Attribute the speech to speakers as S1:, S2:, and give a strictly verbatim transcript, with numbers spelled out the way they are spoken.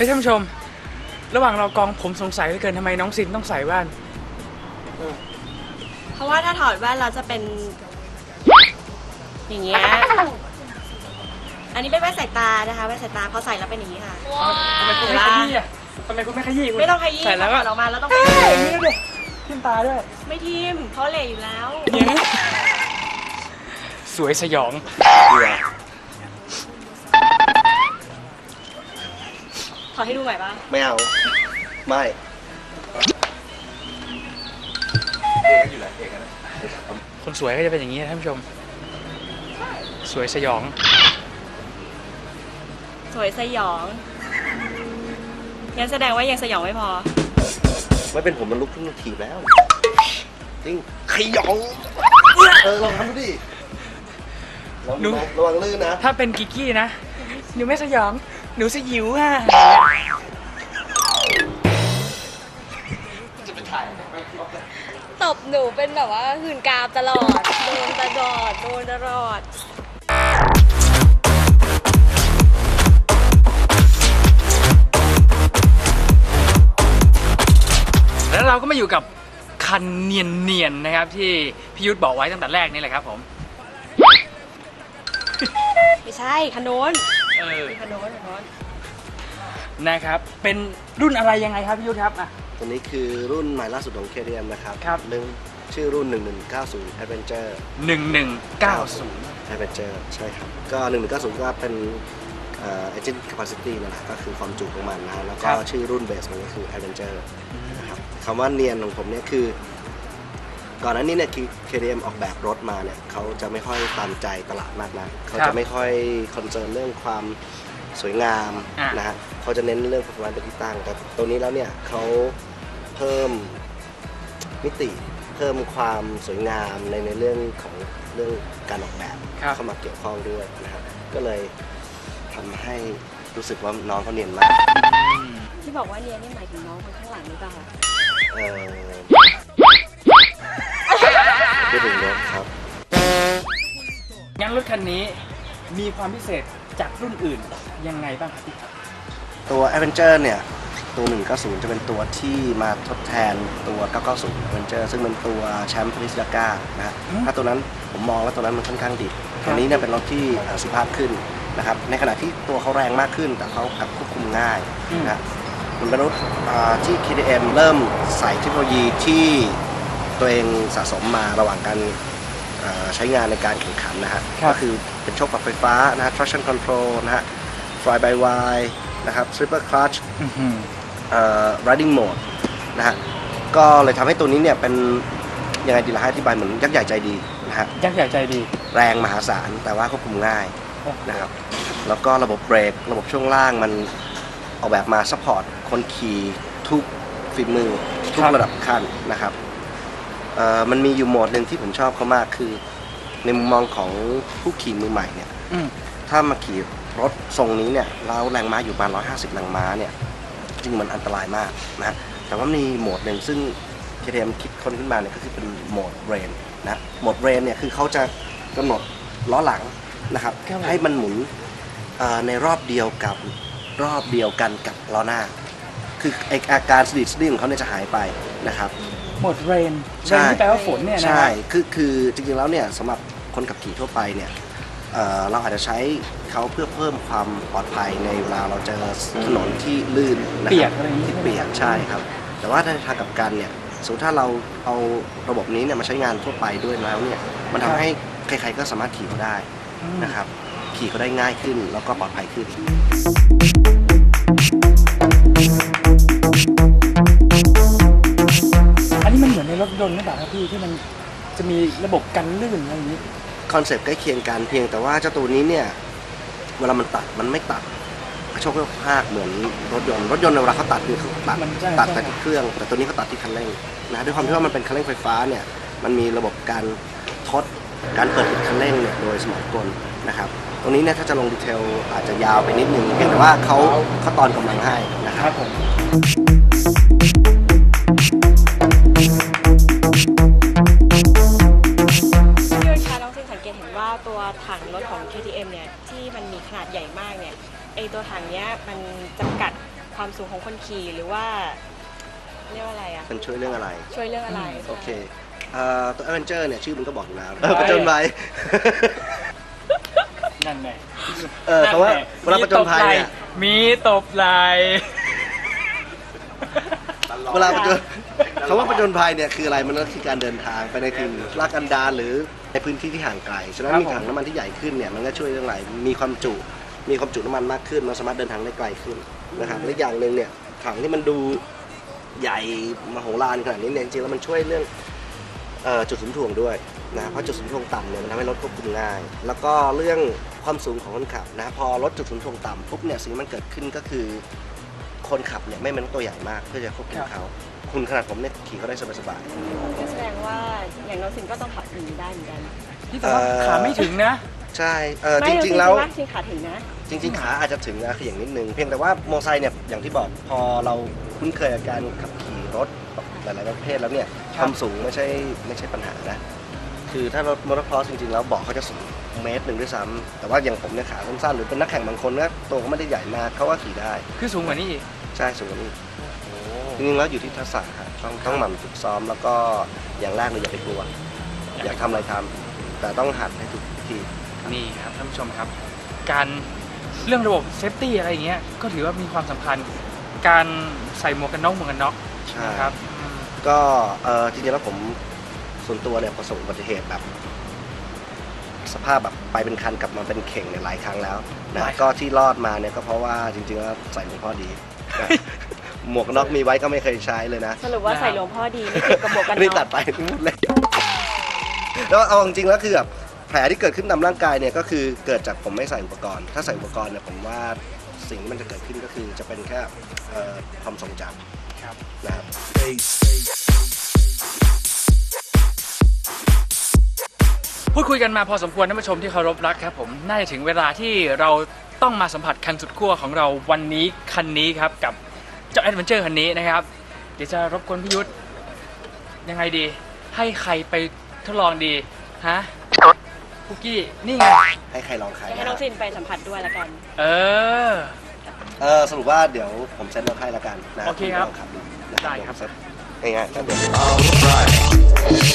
S1: ท่านผู้ชมระหว่างเรากองผมสงสัยเหลือเกินทำไมน้องซินต้องใส่แว่น
S2: เพราะว่าถ้าถอดแว่นเราจะเป็นอย่างเงี้ยอันนี้เป็นแว่นสายตานะคะแว่นสายตาพอใส่แล้วเป็นอย่างนี้ค่ะ
S1: ทำไมคุณไม่ขยี้อ่ะทำไมคุณไม่ขยี้คุณ
S2: ไม่ต้องขยี้
S1: ใส่แล้วก็
S2: ออกมาแล้วต้อง
S1: ขยี้อย่างนี้เลยทิ่มตาด้วย
S2: ไม่ทิมเพราะเหล่อยู่แล้ว
S1: สวยสยอง
S2: ขอให้ดูใหม่ป่ะ
S3: ไม่เอาไม่
S1: คนสวยก็จะเป็นอย่างนี้ท่านผู้ชมสวยสยอง
S2: สวยสยองยังแสดงว่ายังสยองไม่พอ
S3: ไม่เป็นผมมันลุกขึ้นมาถีบแล้วจริงขยองเออลองทำดูดิหนูระวังลื่นนะ
S1: ถ้าเป็นกิกกี้นะหนูไม่สยองหนูสยิวค่ะ
S2: ตบหนูเป็นแบบว่าหื่นกามตลอดโดนตลอดโดนตลอด
S1: แล้วเราก็มาอยู่กับคันเนียนๆนะครับที่พี่ยุทธบอกไว้ตั้งแต่แรกนี่แหละครับผม
S2: ไม่ใช่คันโน้น
S1: เออ
S2: คันโน้นคันโน้น
S1: นะครับเป็นรุ่นอะไรยังไงครับพี่ยุทธครับอ่ะ
S3: ตัวนี้คือรุ่นใหม่ล่าสุดของ เค ที เอ็ม นะครับ
S1: ครับ
S3: หนึ่งชื่อรุ่นหนึ่งหนึ่งเก้าศูนย์ Adventure
S1: หนึ่งหนึ่งเก้าศูนย์
S3: Adventure ใช่ครับก็หนึ่งหนึ่งเก้าศูนย์ก็เป็นเอ่อ engine capacity นั่นแหละก็คือความจุของมันนะแล้วก็ชื่อรุ่นเบสมันก็คือ Adventure นะครับคำว่าเนียนของผมเนี่ยคือก่อนหน้านี้เนี่ย เค ที เอ็ม ออกแบบรถมาเนี่ยเขาจะไม่ค่อยตามใจตลาดมากนะเขาจะไม่ค่อยคอนเซิร์นเรื่องความสวยงามนะฮะเขาจะเน้นเรื่อง performance เป็นที่ตั้งแต่ตัวนี้แล้วเนี่ยเขาเพิ่มมิติเพิ่มความสวยงามในในเรื่องของเรื่องการออกแบบเข้ามาเกี่ยวข้องด้วยนะครับก็เลยทำให้รู้สึกว่าน้องเขาเนียนมาก
S2: ที่บอกว่าเนียนนี่หมายถึงน้องคนข้างหลังหรือเปล่าคะ
S3: เออไม่ถึงรถครับ
S1: งั้นรถคันนี้มีความพิเศษจากรุ่นอื่นยังไงบ้างครับพี่
S3: ตัว Adventure เนี่ยตัวหนึ่งเก้าศูนย์จะเป็นตัวที่มาทดแทนตัวเก้าเก้าศูนย์ Adventure ซึ่งเป็นตัวแชมป์พริสดาก้านะถ้าตัวนั้นผมมองว่าตัวนั้นมันค่อนข้างดิบตัวนี้เนี่ยเป็นรถที่สุภาพขึ้นนะครับในขณะที่ตัวเขาแรงมากขึ้นแต่เขากลับควบคุมง่ายนะมันเป็นรถที่ เค ที เอ็ม เริ่มใส่เทคโนโลยีที่ตัวเองสะสมมาระหว่างการใช้งานในการแข่งขันนะฮะก็คือเป็นโชคปรับไฟฟ้านะฮะ traction control นะฮะ fly by wire นะครับ triple clutch riding mode นะฮะก็เลยทำให้ตัวนี้เนี่ยเป็นยังไงดีล่ะอธิบายเหมือนยักษ์ใหญ่ใจดีนะฮะ
S1: ยักษ์ใหญ่ใจดี
S3: แรงมหาศาลแต่ว่าควบคุมง่ายนะครับแล้วก็ระบบเบรกระบบช่วงล่างมันออกแบบมาซัพพอร์ตคนขี่ทุกฝีมือทุกระดับขั้นนะครับมันมีอยู่โหมดหนึ่งที่ผมชอบเขามากคือในมุมมองของผู้ขี่มือใหม่เนี่ยถ้ามาขี่รถทรงนี้เนี่ยแล้วแรงม้าอยู่ประมาณหนึ่งร้อยห้าสิบแรงม้าเนี่ยจริงมันอันตรายมากนะแต่ว่ามีโหมดหนึ่งซึ่ง เค ที เอ็ม คิดค้นขึ้นมาเนี่ยก็คือเป็นโหมดเรนนะโหมดเรนเนี่ยคือเขาจะกำหนดล้อหลังนะครับให้มันหมุนในรอบเดียวกับรอบเดียวกันกับล้อหน้าคืออาการสะดิดสะดิ้งของเขาเนี่ยจะหายไปนะครับ
S1: โหมดเรนเรนที่แปลว่าฝนเนี่ยนะ
S3: ใช่คือคือจริงๆแล้วเนี่ยสำหรับคนขับขี่ทั่วไปเนี่ยเราอาจจะใช้เขาเพื่อเพิ่มความปลอดภัยในเวลาเราเจอถนนที่ลื่น
S1: เปียกอะไรอย่างนี้
S3: ที่เปียกใช่ครับแต่ว่าในทางกลับกันเนี่ยสมมติถ้าเราเอาระบบนี้เนี่ยมาใช้งานทั่วไปด้วยแล้วเนี่ยมันทำให้ใครๆก็สามารถขี่เขาได้นะครับขี่เขาได้ง่ายขึ้นแล้วก็ปลอดภัยขึ้น
S1: อันนี้มันเหมือนในรถยนต์หรือเปล่าครับพี่ที่มันจะมีระบบกันลื่นอะไรอย่างนี้
S3: คอนเซปต์ใกล้เคียงกันเพียงแต่ว่าเจ้าตัวนี้เนี่ยเวลามันตัดมันไม่ตัดกระโชกกระพากเหมือนรถยนต์รถยนต์เวลาเขาตัดคือเขาตัดตัดแต่ที่เครื่องแต่ตัวนี้เขาตัดที่คันเร่งนะด้วยความที่ว่ามันเป็นคันเร่งไฟฟ้าเนี่ยมันมีระบบการทดการเปิดปิดคันเร่งเนี่ยโดยสมองกลนะครับตรงนี้เนี่ยถ้าจะลงดีเทลอาจจะยาวไปนิดนึงเพียงแต่ว่าเขาเขาตอนกำลังให้นะครับผม
S2: ว่าตัวถังรถของ เค ที เอ็ม เนี่ยที่มันมีขนาดใหญ่มากเนี่ยไอตัวถังเนี้ยมันจำกัดความสูงของคนขี่หรือว่าเรียกว่าอะไรอ่ะ
S3: มันช่วยเรื่องอะไร
S2: ช่วยเรื่องอะไร
S3: โอเคเอ่อตัว Adventure เนี่ยชื่อมันก็บอกอยู่แล้วเออประจนภัย
S1: นั่นไง
S3: เออเพราะว่าเวลาประจนภัยเนี่ย
S1: มีตบไหล
S3: เวลาประจนคำว่าประจนภัยเนี่ยคืออะไรมันก็คือการเดินทางไปในถิ่นลากันดารหรือในพื้นที่ที่ห่างไกลฉะนั้นมีถังน้ำมันที่ใหญ่ขึ้นเนี่ยมันก็ช่วยเรื่องอะไรมีความจุมีความจุน้ำมันมากขึ้นมันสามารถเดินทางได้ไกลขึ้นนะครับและอย่างหนึ่งเนี่ยถังที่มันดูใหญ่มโหฬารขนาดนี้เนี่ยจริงๆแล้วมันช่วยเรื่องเอ่อจุดศูนย์ถ่วงด้วยนะเพราะจุดศูนย์ถ่วงต่ำเนี่ยมันทำให้รถควบคุมง่าย แล้วก็เรื่องความสูงของคนขับนะพอรถจุดศูนย์ถ่วงต่ำปุ๊บเนี่ยสิ่งที่มันเกิดขึ้นก็คือคนขับเนี่ยไม่เป็นตัวใหญ่มากเพื่อจะควบคุมเขาคุณขนาดผมเนี่ยขี่เขาได้สบายๆ
S2: ก็แสดงว่าอย่างน้องสินก็ต้องขับอย่างนี้ได้เหมือนกัน
S1: ที่แต่ว่าขาไม่ถึงนะ
S3: ใช่เออ
S2: ไม่
S3: จริงๆแล้ว
S2: ว่าจริงขาถึงนะ
S3: จริงๆขาอาจจะถึงนะคืออย่างนิดนึงเพียงแต่ว่าโมอไซค์เนี่ยอย่างที่บอกพอเราคุ้นเคยกับการขับขี่รถหลายๆประเภทแล้วเนี่ย
S1: ค
S3: ครับ วามสูงไม่ใช่ไม่ใช่ปัญหานะคือถ้ารถมอเตอร์ครอสจริงๆแล้วเบอกเขาจะสูงเมตรหนึ่งด้วยซ้ำแต่ว่าอย่างผมเนี่ยขาสั้นๆหรือเป็นนักแข่งบางคนก็ตัวเขาไม่ได้ใหญ่มากเขาก็ขี่ได้
S1: คือสูงกว่านี้อีก
S3: ใช่สูงกว่านี้
S1: โอ้
S3: จริงๆแล้วอยู่ที่ทักษะครับต้องต้องหมั่นฝึกซ้อมแล้วก็อย่างแรกเลยอย่าไปกลัวอยากทำอะไรทำแต่ต้องหัดให้ถูกวิธี
S1: นี่ครับท่านผู้ชมครับ การเรื่องระบบเซฟตี้อะไรอย่างเงี้ยก็ถือว่ามีความสำคัญ การใส่หมวกกันน็อกหมวกกันน็อก
S3: ใช่
S1: นะครับอืม
S3: ก็เออจริงๆแล้วผมส่วนตัวเนี่ยประสบอุบัติเหตุแบบ สภาพแบบไปเป็นคันกลับมาเป็นเข่งเนี่ยหลายครั้งแล้วนะก็ที่รอดมาเนี่ยก็เพราะว่าจริงๆแล้วใส่หลวงพ่อดีนะหมวกกันน็อกมีไว้ก็ไม่เคยใช้เลยนะ
S2: สรุปว่าใส่หลวงพ่อดีไม่เกี่ยวกับหมวกกัน
S3: นี่
S2: น็
S3: ตั
S2: อ
S3: ด
S2: ก
S3: ไปพูดเลยแล้วเอาจริงๆแล้วคือแบบแผลที่เกิดขึ้นตามร่างกายเนี่ยก็คือเกิดจากผมไม่ใส่อุปกรณ์ ถ้าใส่อุปกรณ์เนี่ยผมว่าสิ่งที่มันจะเกิดขึ้นก็คือจะเป็นแค่เอ่อความทรงจ
S1: ครับ
S3: ำนะครับ
S1: พูดคุยกันมาพอสมควรท่านผู้ชมที่เคารพรักครับผมน่าจะถึงเวลาที่เราต้องมาสัมผัสคันสุดขั้วของเราวันนี้คันนี้ครับกับเจ้าแอดเวนเจอร์คันนี้นะครับเดี๋ยวจะรบกวนพี่ยุทธยังไงดี ให้ใครไปทดลองดีฮะคุกกี้นี่ไง
S3: ให้ใครลองใคร
S2: ให้น้องสินไปสัมผัสด้วยละกัน
S1: เออ
S3: เออสรุปว่าเดี๋ยวผมเซ็นรถให้ละกันนะ
S1: โอเคครับ
S3: ณลองขับดูนะ
S1: ได้ครับ
S3: ผมเซ็นง่ายๆครับเดี๋ยว